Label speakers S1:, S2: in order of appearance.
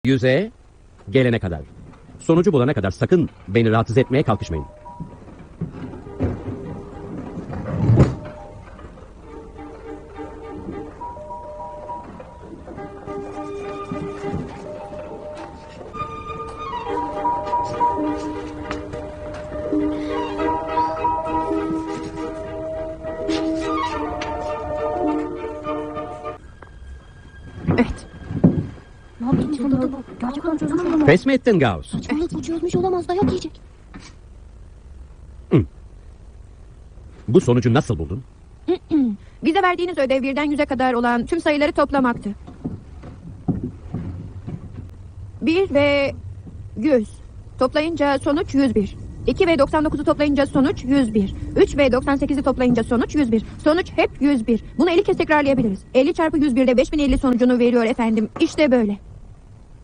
S1: 100'e gelene kadar. Sonucu bulana kadar sakın beni rahatsız etmeye kalkışmayın.
S2: Evet.
S3: Ne yaptın çıldırdı bu? Gerçekten çözmüş olamaz.
S1: Pes mi ettin Gauss?
S3: Saçmalık bu, çözmüş olamaz, dayak yiyecek.
S1: Bu sonucu nasıl buldun?
S2: Bize verdiğiniz ödev 1'den 100'e kadar olan tüm sayıları toplamaktı. 1 ve 100 toplayınca sonuç 101. 2 ve 99'u toplayınca sonuç 101. 3 ve 98'i toplayınca sonuç 101. Sonuç hep 101. Bunu 50 kez tekrarlayabiliriz. 50 çarpı 101 de 5050 sonucunu veriyor efendim. İşte böyle.